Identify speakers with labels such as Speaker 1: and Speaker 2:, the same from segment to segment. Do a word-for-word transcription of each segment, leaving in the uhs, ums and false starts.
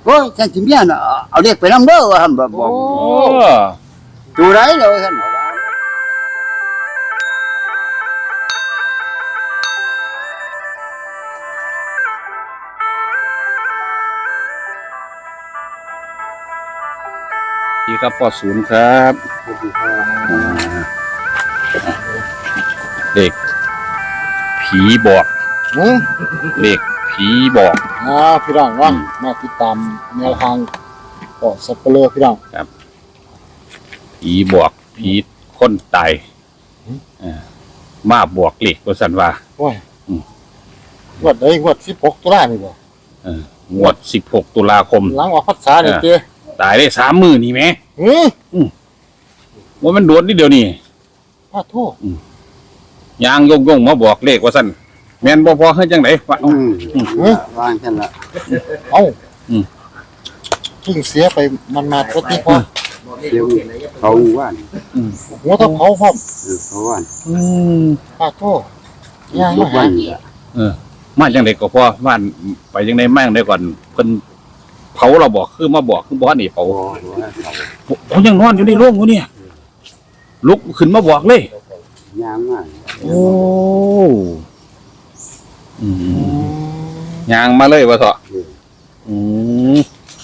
Speaker 1: โอ้ยฉันสิเมียน่ะเอาเด็กไปนำเด้อว่าหั่นบ่บอก
Speaker 2: โอ้
Speaker 1: ตัวไรเลยท่านบอกว่า
Speaker 2: ดีครับพ่อศูนย์ครับเด็กผีบอก
Speaker 3: อืม
Speaker 2: เด็กผีบอก
Speaker 3: อ่าพี่น้องเนาะมาติดตามแนวทางก็สับเปลือพี่น้อง
Speaker 2: ผีบอกผีคนตายเอ่อมาบอกเลขว่าสันว่า
Speaker 3: โอ้ย
Speaker 2: อืม
Speaker 3: งวดได้งวดสิบหกตุลานี่บ่
Speaker 2: เอองวดสิบหกตุลาคม
Speaker 3: หลังออกพรรษานี่เจ้
Speaker 2: ตายได้สามมือนี่ไหม
Speaker 3: หือ
Speaker 2: ว่ามันโดนนี่เดียวนี่
Speaker 3: พระโทษ
Speaker 2: ยางยงยงมาบอกเลขว่าสันแม่นบ่พอให้จังไหนวะ
Speaker 1: อืมวางฉันละ
Speaker 3: เอ้า
Speaker 2: อืม
Speaker 3: เพิ่งเสียไปมันมาก็ที่พอ
Speaker 1: เดี๋ยวเขาว่าน
Speaker 3: หัวตะเผาพร้อม
Speaker 1: เออเขาว่าน
Speaker 2: อืม
Speaker 3: พระโทษย่าง
Speaker 1: ทุ
Speaker 3: มาก หา
Speaker 1: วันนี่ละ
Speaker 2: เออมาจังไดก็พอบ้านไปจังไดมาจังไดก่อนเพิ่นเผาเราบอกคือมาบอกคือบ่นี่เผา
Speaker 1: โอ้โหเขา
Speaker 2: โอ้ยังนอนอยู่ในโรงอยู่เนี่ยลุกขึ้นมาบอกเลย
Speaker 1: ยางมาก
Speaker 2: โอ้อืมยางมาเลยว่าเถอะอืม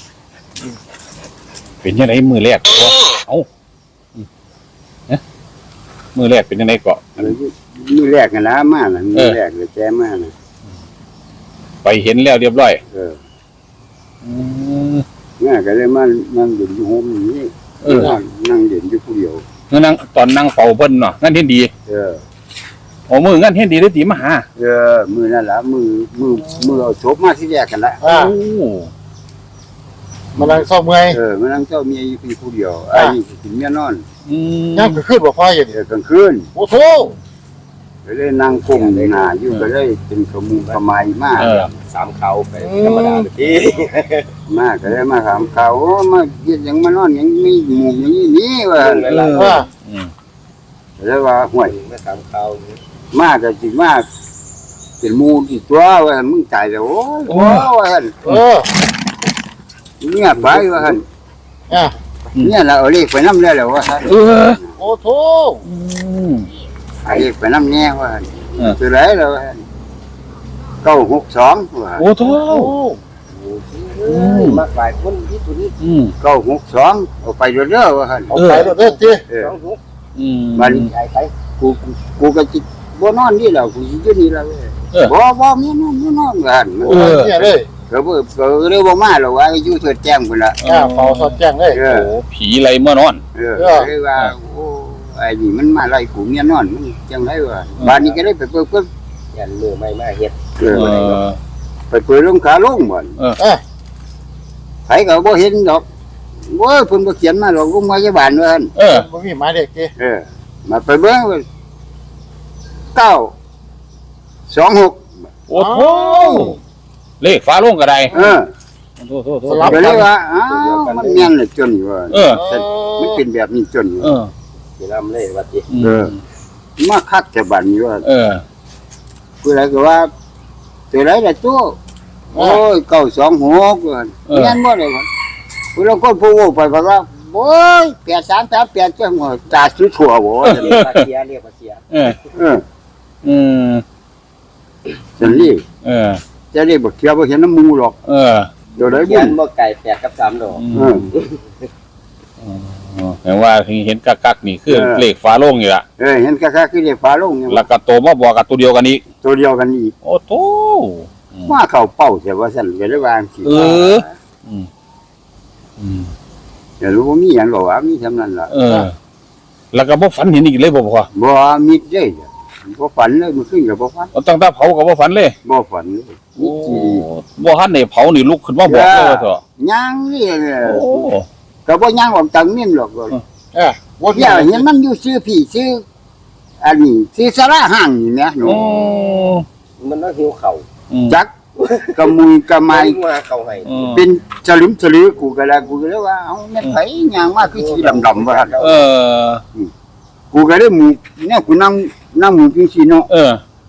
Speaker 2: เป็นยังไงมือแรกวะเอ้าอืมเอ๊ะมือแรกเป็นยังไงเกาะ
Speaker 1: มือแรกกันนะมาน่ะมือแรกเลยแจ้มาน่ะ
Speaker 2: ไปเห็นแล้วเรียบร้อย
Speaker 1: เออ
Speaker 2: อืม
Speaker 1: แม่ก็เลยมานั่งเด่นอยู่โฮมนี่
Speaker 2: เออ
Speaker 1: นั่งเด่นอยู่ผู้เดียว
Speaker 2: เมื่อนั่งตอนนั่งเฝ้าเพิ่นเนาะงั้นเห็นดี
Speaker 1: เออ
Speaker 2: โอ้มืองั้นเห็นดีได้ตีมาหา
Speaker 1: เออมือนั่นละมือมือมือเอาศพมาที่แรกกันละ
Speaker 3: อ่า
Speaker 2: โอ้
Speaker 3: มานั่งเศร้าเมื่อย
Speaker 1: เออมานั่งเจ้าเมียอยู่ผู้เดียวไอ้นี่สิเมียนอน
Speaker 2: อืม
Speaker 3: ย่างก็ขึ้นบ่พออย่าง
Speaker 1: เอ
Speaker 3: นี้
Speaker 1: อกลางคืน
Speaker 3: โอ้โห
Speaker 1: ก็เลยนั่งก้มหน้าอยู่ก็เลยเป็นขมุงขมายมาก
Speaker 2: เออ
Speaker 4: สามเขาไปธรรมดาเลยพี่
Speaker 1: มากก็เลยมาถามเขาโอ้มาเฮ็ดหยังมานอนหยังมีหมู่อย่างนี้นี่ว่า
Speaker 4: เออ
Speaker 3: ว่า
Speaker 2: อืม
Speaker 1: ก็เลยว่าห่วย
Speaker 4: ไม่สามเขา
Speaker 1: มากก็สิมาเป็นหมู่ที่ตัวว่าหั่นมึงตายแล้วโอ้ยโอ้ว่าหั่น
Speaker 3: เออ
Speaker 1: เมียไปว่าหั่น
Speaker 3: อ่ะ
Speaker 1: เนี่ยเราเอาเลขไปนำแล้วแหละว่าหั่น
Speaker 2: เออ
Speaker 3: โอ้โห
Speaker 2: อืม
Speaker 1: เอาเลขไปนำแน่ว่าหั่น
Speaker 2: เออ
Speaker 1: ตัวไหนแล้วว่าหั่นเก้าหกสองว่า
Speaker 2: โอ้โถ
Speaker 3: โอ้
Speaker 4: มากหลายคนที่ตัวนี้
Speaker 2: อืม
Speaker 1: เก้าหกสองเอาไปเรื่อยๆว่าหั่น
Speaker 3: เอาไปแล้วเด้อเจ้
Speaker 1: เออ
Speaker 4: สองหุก
Speaker 2: อืม
Speaker 1: มัน
Speaker 4: ใหญ่ไป
Speaker 1: กูกูกูก็จิบ่นอนนี่แหละกูสิอยู่นี่แหละเว้ย
Speaker 2: เออ
Speaker 1: บ่บ่มีนอนมีนอนว่าหั่น
Speaker 3: โอ้ยเนี่ยเลย
Speaker 1: ก็บ่ก็เลยบ่มาหรอกว่าอยู่เถิดแจ้งพุ่นล่ะ
Speaker 3: อ่าเฝ้าสอดแจ้งเลย
Speaker 1: เอ
Speaker 2: โอ้
Speaker 1: อ
Speaker 2: ผีไรเมื่อนอน
Speaker 1: เออเลยว่าโอ้ไอ้นี่มันมาไล่กูเมียนอนมันจังไดวะบ้านนี้ก็ได้ไปเปิดเปิด
Speaker 4: ยันมือไม่มาเฮ็ด
Speaker 1: เอ
Speaker 2: เอ
Speaker 1: อ
Speaker 2: อ
Speaker 1: ไปเปิดลงขาลงบ่น
Speaker 3: เออ
Speaker 1: ไผก็บ่เห็นดอกโอ้ยเพิ่นบ่เขียนมาหรอกโรงพยาบาลว่าหั่น
Speaker 2: เออ
Speaker 3: บ่มีหมายเด็กเจ้
Speaker 1: เออ มาไปเบิ่งว่าเก้าสองหก
Speaker 2: โอ้โหเลขฟ้าโลงกระได
Speaker 1: เออ
Speaker 2: โทษโทษโทษ
Speaker 1: ก็เลยว่าอ้าวมันแม่นเลยจนว่า
Speaker 2: เออ
Speaker 1: มันเป็นแบบนี้จน
Speaker 2: เออ
Speaker 4: สินำเลยวัดจิ
Speaker 1: เออ มาคักแต่บัดนี้ว่า
Speaker 2: เออ
Speaker 1: ผู้ใดก็ว่าตัวไหนล่ะตัวโอ้ยเก้าสองหกว่า
Speaker 2: เออ
Speaker 1: แม่นบ่ได้ว่าผู้เราก็พูดไปบอกว่าโอ้ยแปดสามแปดแปดจังหัวตาสุดถั่วบ่ว่าซั่น
Speaker 4: เรียกว่าเสียเรียกว่าเสีย
Speaker 2: เออ
Speaker 1: เออ
Speaker 2: อืม
Speaker 1: ซั่นนี่
Speaker 2: เออ
Speaker 1: จะได้บ่เที่ยวบ่เห็นน้ำมูหรอก
Speaker 2: เออ
Speaker 1: เดี๋ยวได้บุ
Speaker 4: ยั
Speaker 1: ญ
Speaker 4: นบ่ไก่แปดกับสามดอก
Speaker 2: อื
Speaker 1: เอ
Speaker 2: ม
Speaker 1: อ
Speaker 2: เห็นว่าเห็นกักกักๆนี่คือ
Speaker 1: เออ
Speaker 2: เลขฟ้าโลงอยู่ละ
Speaker 1: เออเห็นคักๆคือเรียกฟ้าลงเนี่ย
Speaker 2: แล้วก็โตมาบอกกับตัวเดียวกันอีก
Speaker 1: ตัวเดียวกันอีก
Speaker 2: โอ้โตอืม
Speaker 1: มาเข้าเป้าแต่ว่าซั่นก็ได้วาจังซี่
Speaker 2: เออ อืมอืม
Speaker 1: เดี๋ยวรู้ว่ามีหยังหรอกว่ามีเท่านั้นล่ะ
Speaker 2: เออ แล้วก็บ่ฝันเห็นอีกเลยบ่พ่อ
Speaker 1: บ่มีเด้บ่ฝันเลยมื้อคืนก็บ่ฝัน
Speaker 2: เอาตั้งแต่เผาก็บ่ฝันเลย
Speaker 1: บ่ฝันเลย
Speaker 2: โอ้บ่ทันได้เผานี่ลุกขึ้นมาบอกเลยว่าเถอะ
Speaker 1: ย่างนี่แหละ
Speaker 2: โอ้
Speaker 1: ก็บ่ย่างออกจากนี่หรอก
Speaker 3: เออบ่มี
Speaker 1: เดี๋ยวเห็นมันอยู่ซื้อพี่ซื้ออันนี้ซื้อสาระห้างนี่แหมหนู
Speaker 2: โอ้
Speaker 4: มันต้องหิวเข่า
Speaker 2: อืม
Speaker 1: จักกะมุยกะไม
Speaker 4: ไม่มาเข่าให้
Speaker 2: อืม
Speaker 1: เป็นสลึมสลือกูก็แล้วกูก็เลยว่าเอ้าแม่นไผย่างมาคือสีดำๆว่าหั่น
Speaker 2: เออ
Speaker 1: กูก็เลยหมู่เนี่ยกูนั่งนั่งหมู่จังซี่เนาะ
Speaker 2: เออ
Speaker 1: ก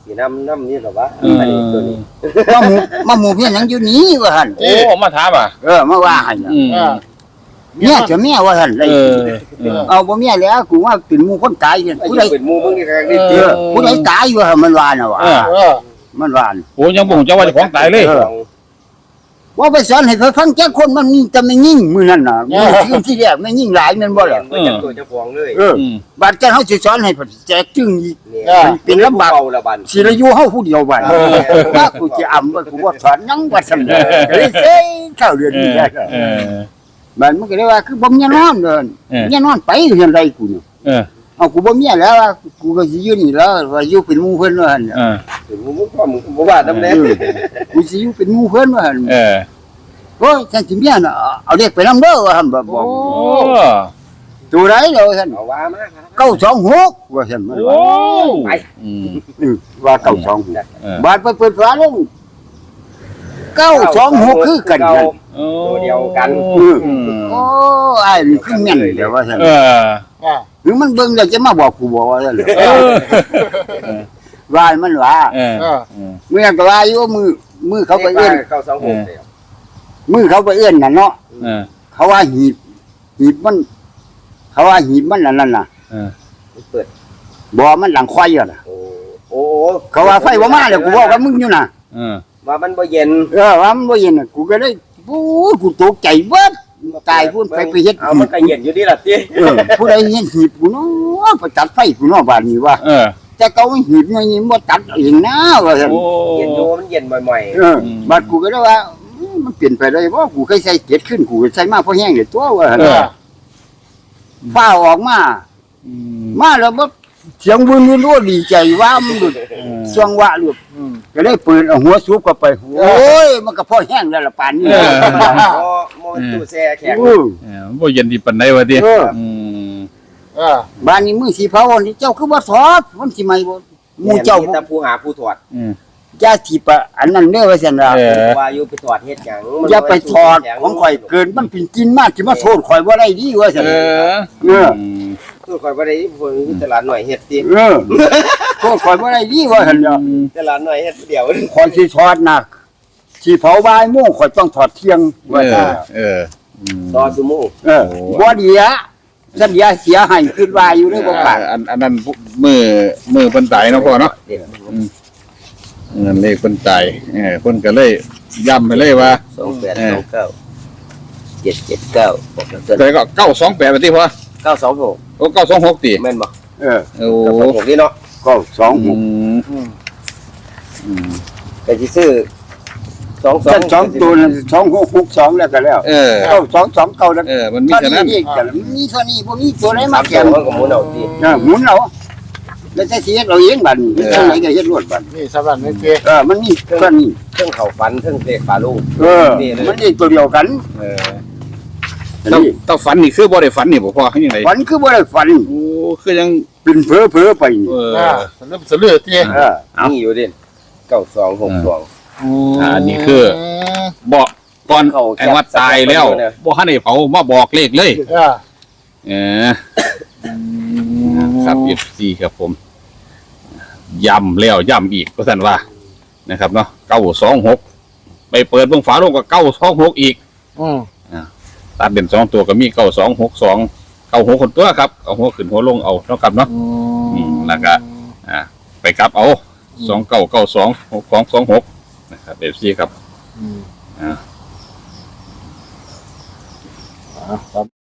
Speaker 4: สีน้ำน้ำนี่หรอวะ
Speaker 2: เออ
Speaker 4: อันนี้ตัวนี้
Speaker 1: มาหมู่มาหมู่เพียงหยังอยู่นี้ว่าหั่น
Speaker 2: โอ้มาถามอ่ะ
Speaker 1: เออมาว่าให้น่ะ
Speaker 2: อืม
Speaker 3: อ่า
Speaker 1: เมียจะเมียว่าหั่นเลย
Speaker 2: เออเออ
Speaker 1: เอาบ่เมียแล้วกูว่าเป็นหมู่คนตายเนี่ย
Speaker 4: ผู้
Speaker 1: ผู้
Speaker 4: ใด
Speaker 1: ใด
Speaker 4: เป็นหมูมึงนี่ครั้งนี้
Speaker 1: เออผู้ใดตายอยู่หั่นมันว่าน่ะว่า
Speaker 2: เออ
Speaker 3: เออ
Speaker 1: มันว่าน่ะ
Speaker 2: โอ้ยังบ่งเจ้าว่าเจ้าของตายเลย
Speaker 1: ว่าไปสอนให้เขาฟังแค่คนมันมีแต่ไม่ยิ่งมื้อนั้นน่ะมื้อที่ที่แรกไม่ยิ่งหลายแม่นบ่ล่ะ
Speaker 4: ไม่จับตัวเจ้าของเลย
Speaker 1: เออ
Speaker 2: อืม
Speaker 1: บาดแกเฮาสิสอนให้เพิ่นแจกจึงอีก
Speaker 4: เนี่ย
Speaker 1: เป็นลำบาก
Speaker 4: เบาละบัน
Speaker 1: สิละอยู่เฮาผู้เดียวบัดว่ากูจะอำว่ากูว่าสอนหยังว่าซั่นเด้อก็เลยเซ่เข้าเดือน
Speaker 2: เอ
Speaker 1: นี้
Speaker 2: อ
Speaker 1: ได้
Speaker 2: เออ
Speaker 1: บัดมันก็เลยว่าคือบ่มีนอนเด้อ
Speaker 2: เออ
Speaker 1: มีนอนไปเฮือนใดกูเนี่ย
Speaker 2: เออ
Speaker 1: เอากูบ่มีแล้วว่ากูก็สิอยู่นี่แล้วว่าอยู่เป็นหมู่เพิ่นว่าหั่น
Speaker 2: เออ
Speaker 4: เป็นหมูมึงพ่อมึงบ่ว่าน้ำแน่
Speaker 1: เออกูสิอยู่เป็นหมู่เพิ่นว่าหั่น
Speaker 2: เออ
Speaker 1: โอ้ยฉันสิเมียน่ะเอาเด็กไปนำเด้อว่าหั่นบ่บ
Speaker 2: โอ้
Speaker 1: อกตัวใดแล้วว่าซั่น
Speaker 4: เอาว่ามาครับ
Speaker 1: เก้าสองหกว่าซั่นมัน
Speaker 2: โอ้
Speaker 1: ว่า
Speaker 2: อืม
Speaker 1: อือว่าเก้าสองหก
Speaker 2: เออบ
Speaker 1: าดไปเปิดฝาลงเก้าสองหกคือกันนั่น
Speaker 2: โอ้
Speaker 4: ตัวเดียวกัน
Speaker 1: อือ
Speaker 2: อืม
Speaker 1: โอ้ไอ้นี่คือแม่นเดี๋ยวว่าซั่น
Speaker 2: เออ
Speaker 3: อ่า
Speaker 1: หรือมันเบิ่งแล้วจะมาบอกกูบอกว่าซั่นเหรอ
Speaker 2: เออ
Speaker 1: ว่าให้มันว่า
Speaker 2: เออ
Speaker 3: เออ
Speaker 2: เออ
Speaker 1: เมื่อก็ว่าอยู่มือมือเขาไปเอื้อน
Speaker 4: เก้าสองหกเดียว
Speaker 1: มือเขาไปเอื้อนน่ะเนาะ
Speaker 2: เออ
Speaker 1: เขาว่าหีบหีบมัน เขาว่าหีบมันอันนั่นน่ะ
Speaker 2: เออ
Speaker 4: เปิด
Speaker 1: บ่มันหลังควายอ่ะน่ะ
Speaker 4: โอ้โอ้
Speaker 1: เขาว่าไฟบ่มาแล้วกูบอกว่ามึงอยู่น่ะ
Speaker 2: เออ
Speaker 4: ว่ามันบ่เย็น
Speaker 1: เออว่ามันบ่เย็นน่ะกูก็เลยโอ้ยกูตกใจเบิดตายพุ่นไปไปเฮ็ด
Speaker 4: เอามันก็เย็นอยู่ดีล่ะติ
Speaker 1: เออผู้ใดเฮ็ดหีบกูเนาะไปตัดไฟกูเนาะบ้านนี้ว่า
Speaker 2: เออ
Speaker 1: แต่เขาหีบนี่บ่ตัดเองนะว่าซั่น
Speaker 2: โอ้
Speaker 4: เย็นอยู่มันเย็นบ่อย
Speaker 1: เออบัดกูก็เลยว่าอืมมันเปลี่ยนไปได้บ่กูเคยใส่เจ็ดขึ้นกูก็ใส่มาเพราะแห้งเลยตัวว่าหั่น
Speaker 2: เออ
Speaker 1: ฟ้าออกมา
Speaker 2: อืม
Speaker 1: มาแล้วบ่เสียงวุ่นวุ่นรู้ดีใจว่ามันหลุด
Speaker 2: เออ
Speaker 1: สวงวะหลุด
Speaker 3: อืม
Speaker 1: ก็เลยเปิดเอาหัวสูบเข้าไปโอ้ยมันก็พอแห้งแล้วล่ะปานนี้
Speaker 2: เออ
Speaker 4: ๆบ่บ่มันตู้แช่แข็ง
Speaker 1: เออ
Speaker 2: เออบ่เย็นดีปานใดวะติ
Speaker 1: เออ
Speaker 2: อืม
Speaker 3: เออ
Speaker 1: บ้านนี้มือสีเผานี่เจ้าคือบ่ถอดมันสิใหม่บ่หมู่เจ้า
Speaker 4: มีแต่ผู้หาผู้ถอด
Speaker 2: อืม
Speaker 1: อย่าสิปะอันนั้นเด้อว่าซั่นล่ะ
Speaker 2: เออ
Speaker 4: ว่าอยู่ไปถอดเฮ็ดหยังมัน
Speaker 1: อย่าไปถอดของข่อยเกินมันเป็นกินมากสิมาโทษข่อยบ่ได้ดีว่าซั่น
Speaker 2: เออ
Speaker 1: เออ
Speaker 2: ม
Speaker 4: คือข่อยบ่ได้ผู้มีตลาดหน่อยเฮ็ดติ
Speaker 1: เออโทษข่อยบ่ได้ดีว่าซั่นล่ะ
Speaker 4: ตลาดหน่อยเฮ็ดเดียว
Speaker 1: ข่อยสิถอดน่ะสิเผาบ่ายโมงข่อยต้องถอดเที่ยง
Speaker 2: เอ
Speaker 1: ว่าซั่น
Speaker 2: อเอออืม
Speaker 4: ต่อซุมื้อ
Speaker 1: เออบ่ดีอะสัญญาเสียให้คิดว่าอยู่ในบ่ปาก
Speaker 2: อันอันนั้นมือมือเพิ่นตายเนาะพ่อเนาะ
Speaker 4: เด็ด
Speaker 2: เงินเลขเพิ่นตายเออเพิ่นก็เลยย้ำไปเลยว่า
Speaker 4: สองแปดสองเก้าเจ็ดเจ็ดเก้าบอกแล้วเกิน
Speaker 2: แต่ก็เก้าสองแปดไปที่พ่อ
Speaker 4: เก้าสองหก
Speaker 2: โอ้เก้าสองหกตี
Speaker 4: แม่นบ่
Speaker 1: เออ
Speaker 2: โอ้
Speaker 4: เก้าสองหกนี่เนาะ
Speaker 1: ก็สอง
Speaker 2: อื
Speaker 1: หก
Speaker 2: ม
Speaker 3: อืม
Speaker 2: อืม
Speaker 4: ก็สิซื้อสองสอง
Speaker 1: ท่านสองตัวนั้นสองหกหกสองแล้วก็แล้ว
Speaker 2: เออ
Speaker 1: เก้าสองสองเก้าแล้ว
Speaker 2: เออ มันมี
Speaker 1: เท่า
Speaker 2: แค่
Speaker 1: นี้
Speaker 2: นั้น
Speaker 1: เองกันมีเท่านี้บ่มีตัวไหน
Speaker 4: สา
Speaker 1: มา
Speaker 4: ม
Speaker 1: แข่
Speaker 4: ตัว
Speaker 1: ง
Speaker 4: มันก็หมุนเอาติ
Speaker 1: เออหมุนเอาแล้วแต่สิเฮ็ดเอาเองบัดนี้เท่าไหนก็เฮ็ดรวดบัด
Speaker 3: นี่สำหรับนี่เจ๊
Speaker 1: เออมันมีเท่านี้
Speaker 4: เครื่องเข้าฟันเครื่องเตะขาลูก
Speaker 1: เออมันนี่ตัวเดียวกัน
Speaker 2: เออต้อง
Speaker 1: นี่
Speaker 2: ต้องฝันนี่คือบ่ได้ฝันนี่บ่พ่อคือยังไง
Speaker 1: ฝันคือบ่ได้ฝัน
Speaker 2: โอ้คือยัง
Speaker 1: เป็นเพ้อๆไปนี่
Speaker 2: เออ
Speaker 3: อ่าสลืมสลือเจ๊
Speaker 1: เออ
Speaker 2: เอามี
Speaker 4: มีอยู่เด่นเก้าสองหกสอง
Speaker 2: อ่านี่คือ บอกก่อน
Speaker 4: เขา
Speaker 2: ไอ้ว่าตายแล้วบ่ทันได้เผามาบอกเลขเลย
Speaker 3: อ่า
Speaker 2: เออครับ เอฟ ซี ครับผมย้ำแล้วย้ำอีกก็สั่นว่านะครับเนาะเก้าสองหกไปเปิดเบิ่งฝาโลงก็เก้าสองหกอีก
Speaker 3: อืม
Speaker 2: ตัดเด่นสองตัวก็มีเก้าสองหกสองเก้าหกคนตัวครับเอาหัวขึ้นหัวลงเอาเท่ากับเนาะ อืมแล้วก็ อ่า ไปกลับเอาสองเก้าเก้าสองหกสองสองหกนะครับเอฟซีครับ
Speaker 3: อืม
Speaker 2: อ่า
Speaker 3: อ่าครับ